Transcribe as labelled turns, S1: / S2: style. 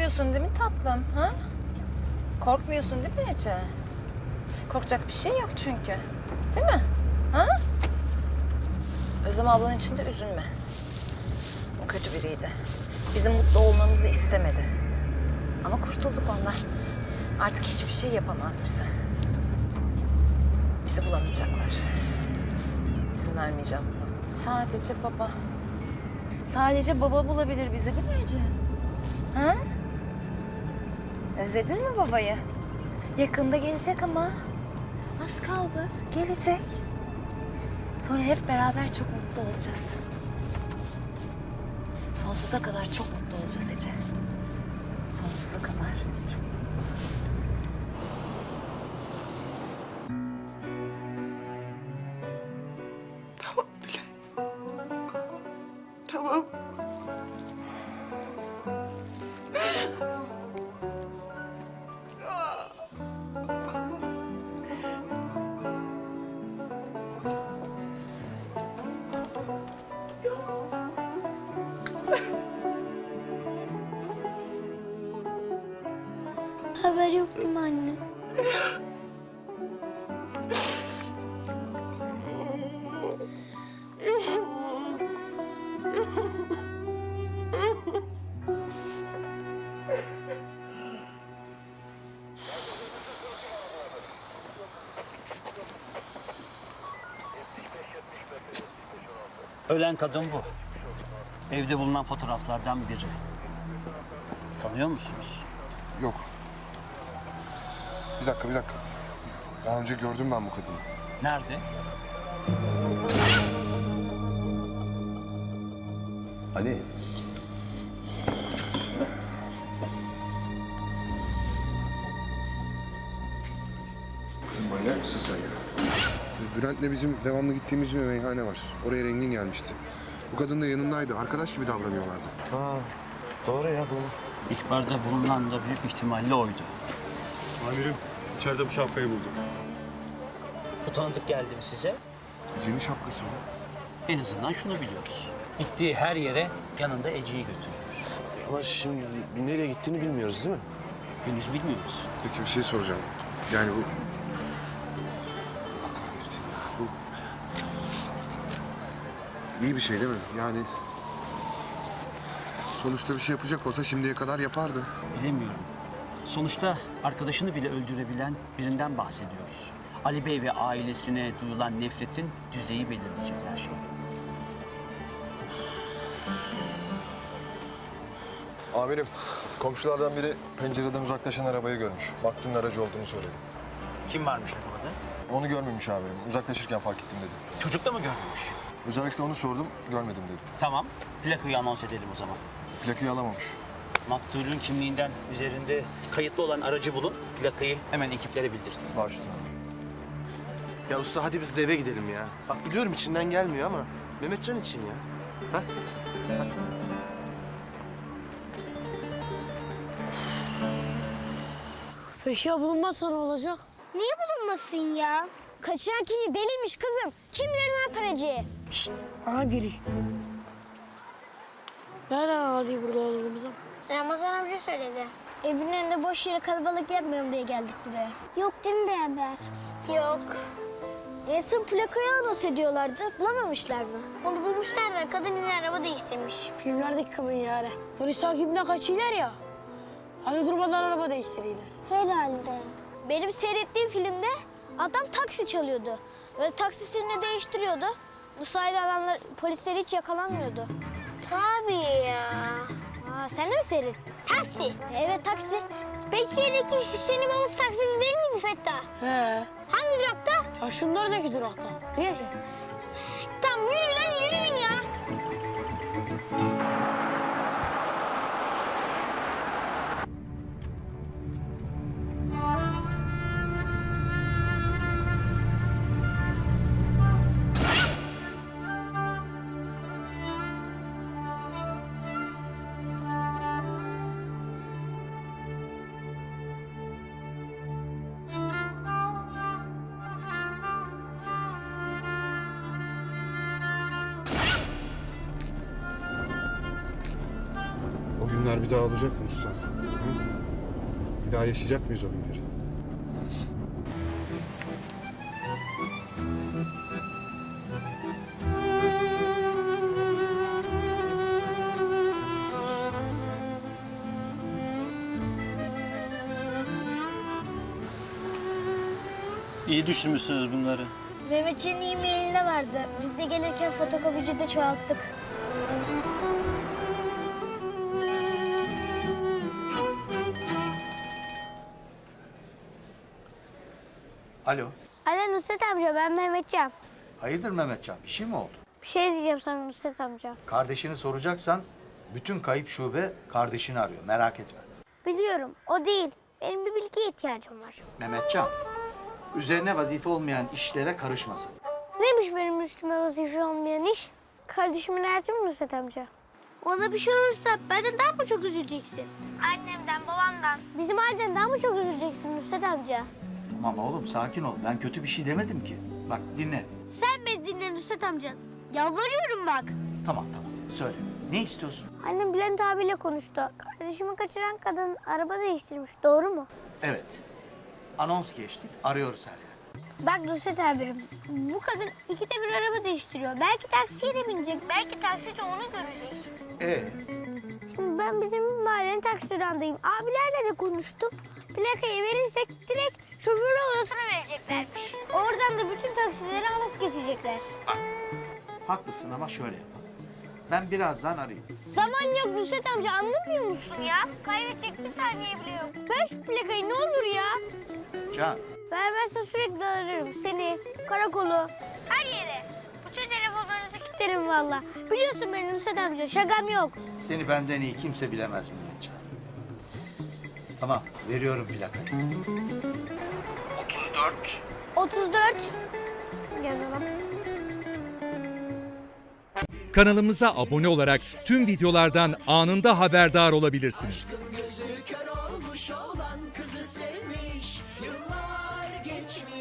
S1: Korkmuyorsun değil mi tatlım? Ha? Korkmuyorsun değil mi Ece? Korkacak bir şey yok çünkü. Değil mi? Ha? Özlem ablanın için de üzülme. O kötü biriydi. Bizim mutlu olmamızı istemedi. Ama kurtulduk ondan. Artık hiçbir şey yapamaz bize. Bizi bulamayacaklar. İzin vermeyeceğim buna. Sadece baba. Sadece baba bulabilir bizi değil mi Ece? Ha? Özledin mi babayı? Yakında gelecek ama. Az kaldı. Gelecek. Sonra hep beraber çok mutlu olacağız. Sonsuza kadar çok mutlu olacağız Ece. Sonsuza kadar çok mutlu.
S2: Tamam bile. Tamam.
S3: Haber yok değil mi anne?
S4: Ölen kadın bu. Evde bulunan fotoğraflardan biri. Tanıyor musunuz?
S5: Yok. Bir dakika. Daha önce gördüm ben bu kadını.
S4: Nerede?
S6: Ali.
S5: Kızım manyak mısın sen ya? Bülent'le bizim devamlı gittiğimiz bir meyhane var. Oraya Rengin gelmişti. Bu kadın da yanındaydı. Arkadaş gibi davranıyorlardı.
S6: Ha, doğru ya bu.
S4: İhbarda bulunan da büyük ihtimalle oydu.
S7: Amirim, içeride bu şapkayı buldum.
S4: Bu tanıdık geldi mi size?
S5: Ece'nin şapkası o.
S4: En azından şunu biliyoruz. Gittiği her yere yanında Ece'yi götürüyor.
S6: Ama şimdi nereye gittiğini bilmiyoruz değil mi?
S4: Henüz bilmiyoruz.
S5: Peki bir şey soracağım. Yani bu... Allah kahretsin ya. Bu... İyi bir şey değil mi? Yani... Sonuçta bir şey yapacak olsa şimdiye kadar yapardı.
S4: Bilemiyorum. Sonuçta arkadaşını bile öldürebilen birinden bahsediyoruz. Ali Bey ve ailesine duyulan nefretin düzeyi belirleyecek her şey.
S8: Amirim, komşulardan biri pencereden uzaklaşan arabayı görmüş. Baktığın aracı olduğunu söyledi.
S4: Kim varmış arabada?
S8: Onu görmemiş amirim. Uzaklaşırken fark ettim dedi.
S4: Çocuk da mı görmemiş?
S8: Özellikle onu sordum, görmedim dedi.
S4: Tamam, plakayı anons edelim o zaman.
S8: Plakayı alamamış.
S4: Maktulün kimliğinden üzerinde kayıtlı olan aracı bulun, plakayı hemen ekiplere bildirin.
S8: Başüstüne.
S6: Ya usta hadi biz de eve gidelim ya. Bak biliyorum içinden gelmiyor ama Mehmetcan için ya. Ha?
S3: Peki ya bulunmazsa ne olacak?
S9: Niye bulunmasın ya? Kaçıran kişi deliymiş kızım. Kim bilir ne yapar Ece'ye?
S3: Aha biri. Nereden anladın burada olduğumuzu?
S9: Ramazan amca söyledi. Evin önünde boş yere kalabalık yapmayalım diye geldik buraya. Yok değil mi bir haber? Yok. Son plakayı anons ediyorlardı. Bulamamışlar mı? Onu bulmuşlar da kadın yine araba değiştirmiş.
S3: Filmlerdeki kadın yani. Polis takibinden kaçıyorlar ya. Hani durmadan araba değiştiriyorlar.
S9: Herhalde. Benim seyrettiğim filmde adam taksi çalıyordu. Ve taksisini değiştiriyordu. Bu sayede adamlar, polisler hiç yakalanmıyordu. Tabii ya. Sen de mi seyrettin? Taksi. Evet taksi. Bekir'deki Hüseyin'in babası taksici değil miydi Fettah?
S3: He.
S9: Hangi durakta?
S3: Ya şunlardaki durakta. Niye ki?
S9: Tamam yürüyün hadi yürüyün ya.
S5: bir daha olacak mı usta? Hı? Bir daha yaşayacak mıyız o günleri?
S4: İyi düşünmüşsünüz bunları.
S9: Mehmetcan'ın e-mailinde vardı. Biz de gelirken fotokopicide çoğalttık.
S2: Alo.
S9: Alo Nusret amca, ben Mehmetcan.
S2: Hayırdır Mehmetcan? Bir şey mi oldu?
S9: Bir şey diyeceğim sana Nusret amca.
S2: Kardeşini soracaksan bütün kayıp şube kardeşini arıyor. Merak etme.
S9: Biliyorum, o değil. Benim bir bilgiye ihtiyacım var.
S2: Mehmetcan, üzerine vazife olmayan işlere karışmasın.
S9: Neymiş benim üstüme vazife olmayan iş? Kardeşimin hayatı mı Nusret amca? Ona bir şey olursa benden daha mı çok üzüleceksin? Annemden, babamdan. Bizim aileden daha mı çok üzüleceksin Nusret amca?
S2: Tamam oğlum sakin ol. Ben kötü bir şey demedim ki. Bak dinle.
S9: Sen beni dinle Nusret amca. Yalvarıyorum bak.
S2: Tamam söyle. Ne istiyorsun?
S9: Annem Bülent abiyle konuştu. Kardeşimi kaçıran kadın araba değiştirmiş. Doğru mu?
S2: Evet. Anons geçtik. Arıyoruz her yerde.
S9: Bak Nusret abim, bu kadın ikide bir araba değiştiriyor. Belki taksiye de binecek, belki taksici onu görecek. Şimdi ben bizim mahallenin taksi durağındayım. Abilerle de konuştum. Plakayı verirsek direkt şoförlü odasına vereceklermiş. Oradan da bütün taksilere anons geçecekler.
S2: Haklısın ama şöyle yapalım. Ben birazdan arayayım.
S9: Zaman yok Nusret amca, anlamıyor musun ya? Kaybedecek bir saniye bile yok. Ver şu plakayı ne olur ya.
S2: Can,
S9: Vermezsen sürekli ararım seni, karakolu, her yere. Bütün telefonlarınızı kilitlerim valla. Biliyorsun beni Nusret amca, şakam yok.
S2: seni benden iyi kimse bilemez Mehmetcan. Tamam, veriyorum plakayı. 34.
S9: 34. Yazalım.
S10: Kanalımıza abone olarak tüm videolardan anında haberdar olabilirsiniz.
S11: Gözü kör olmuş olan kızı sev.